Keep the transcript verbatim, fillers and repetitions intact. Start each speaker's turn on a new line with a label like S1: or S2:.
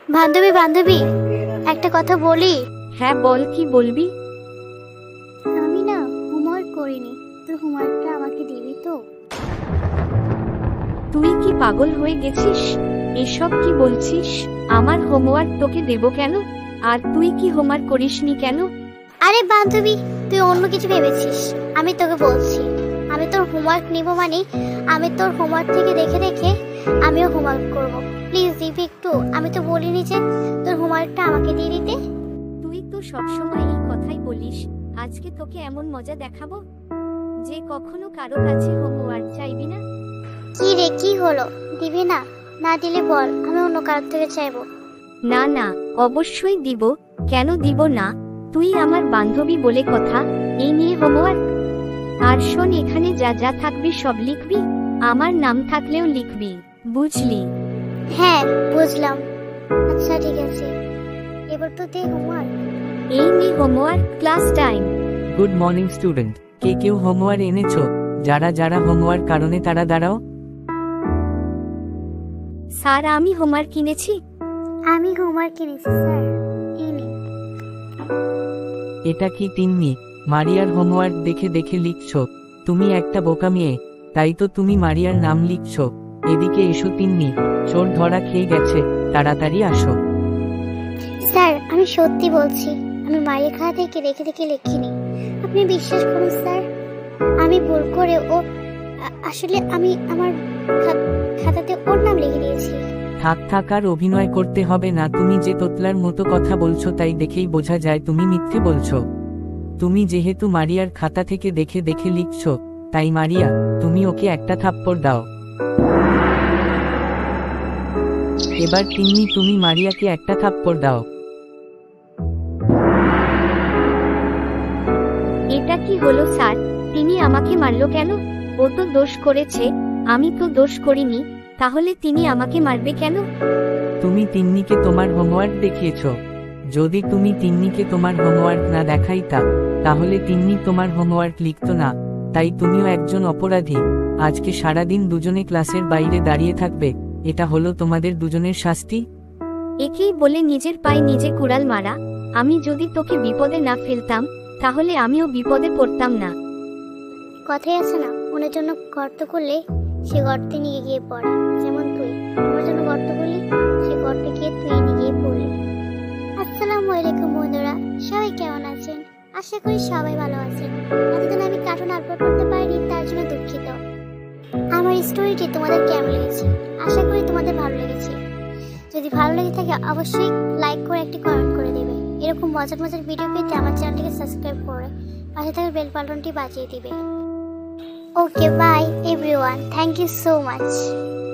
S1: বান্ধবী বান্ধবী একটা কথা বলি।
S2: হ্যাঁ বল, কি বলবি?
S1: আমি না হোমওয়ার্ক করিনি, তোর হোমওয়ার্কটা আমাকে দিবি তো?
S2: তুই কি পাগল হয়ে গেছিস? এসব কি বলছিস? আমার হোমওয়ার্ক তোকে দেব কেন? আর তুই কি হোমওয়ার্ক করিসনি কেন?
S1: আরে বান্ধবী, তুই অন্য কিছু ভেবেছিস। আমি তোকে বলছি, আমি তোর হোমওয়ার্ক নিব মানে আমি তোর হোমওয়ার্ক থেকে দেখে দেখে আমিও হোমওয়ার্ক করব। প্লিজ দিবি একটু? আমি তো বলিনি যে তোর হোমওয়ার্কটা আমাকে দিয়ে দিতে।
S2: তুই তো সবসময় এই কথাই বলিস, আজকে তোকে এমন মজা দেখাবো যে কখনো কারো কাছে হোমওয়ার্ক চাইবি না।
S1: কি রে, কি হলো? দিবি না? না দিলে বল, আমি অন্য কারোর থেকে চাইবো।
S2: না না, অবশ্যই দিব। কেন দিব না? তুই আমার বান্ধবী বলে কথা। এই নিয়ে হোমওয়ার্ক। আর শোন, এখানে যা যা থাকবে সব লিখবি, আমার নাম থাকলেও লিখবি, বুঝলি?
S1: হ্যাঁ বুঝলাম। আচ্ছা ঠিক আছে, এবার তো দে হোমওয়ার্ক।
S2: এই নে homework, class time.
S3: Good morning student. কে কেউ হোমওয়ার্ক এনেছো? যারা যারা হোমওয়ার্ক কারণে তারা দাঁড়াও।
S2: স্যার, আমি হোমওয়ার্ক কিনেছি।
S1: আমি হোমওয়ার্ক কিনেছি স্যার, এই নিন।
S3: এটা কি তিন্নি? মারিয়ার হোমওয়ার্ক দেখে দেখে লিখছো? তুমি একটা বোকা মেয়ে, তাই তো তুমি মারিয়ার নাম লিখছো। এদিকে এসো তিন্নি, চোর ধরা খেয়ে গেছে, তাড়াতাড়ি আসো।
S1: স্যার আমি সত্যি বলছি, আমি মায়ের খাতা থেকে দেখে দেখে লিখিনি। আপনি বিশ্বাস করুন স্যার, আমি ভুল করে ও আ- আসলে আমি আমার খা- খাতাতে ওর নাম লিখে দিয়েছি।
S3: থাক থাক, আর অভিনয় করতে হবে না। তুমি যে তোতলার মতো কথা বলছো তাই দেখেই বোঝা যায় তুমি মিথ্যে বলছো। তুমি যেহেতু মারিয়ার খাতা থেকে দেখে দেখে লিখছো, তাই মারিয়া, তুমি ওকে একটা থাপ্পড় দাও। এবার তিন্নি, তুমি মারিয়াকে একটা থাপ্পড় দাও।
S2: এটা কি হলো স্যার? তিনি আমাকে মারলো কেন? ও তো দোষ করেছে, আমি তো দোষ করিনি। তাহলে তিনি আমাকে মারবে কেন?
S3: তুমি তিন্নিকে তোমার হোমওয়ার্ক দেখিয়েছো। যদি তুমি তিন্নিকে তোমার হোমওয়ার্ক না দেখাইতা, তাহলে তিন্নি তোমার হোমওয়ার্ক লিখতো না। তাই তুমিও একজন অপরাধী। আজকে সারাদিন দুজনে ক্লাসের বাইরে দাঁড়িয়ে থাকবে। এটা হলো তোমাদের দুজনের শাস্তি।
S2: একেই বলে নিজের পায়ে নিজে কুড়াল মারা। আমি যদি তোকে বিপদে না ফেলতাম, তাহলে আমিও বিপদে পড়তাম না।
S1: কথাই আছে না, ওনার জন্য গর্ত করলে সে গর্তে নিয়ে গিয়ে পড়ে। যেমন তুই আমার জন্য গর্ত করলি, সে গর্তে গিয়ে তুই নিয়ে গিয়ে পড়লি। আসসালামু আলাইকুম বন্ধুরা, সবাই কেমন আছেন? আশা করি সবাই ভালো আছেন। এতদিন আমি কার্টুন আপলোড করতে পারিনি, তার জন্য দুঃখিত। আমার স্টোরিটি তোমাদের কেমন লেগেছে? আশা করি তোমাদের ভালো লেগেছে। যদি ভালো লেগে থাকে অবশ্যই লাইক করে একটি কমেন্ট করে দেবে। এরকম মজার মজার ভিডিও পেতে আমার চ্যানেলটিকে সাবস্ক্রাইব করে পাশে থাকা বেল বাটনটি বাজিয়ে দিবে। Okay bye everyone, thank you so much.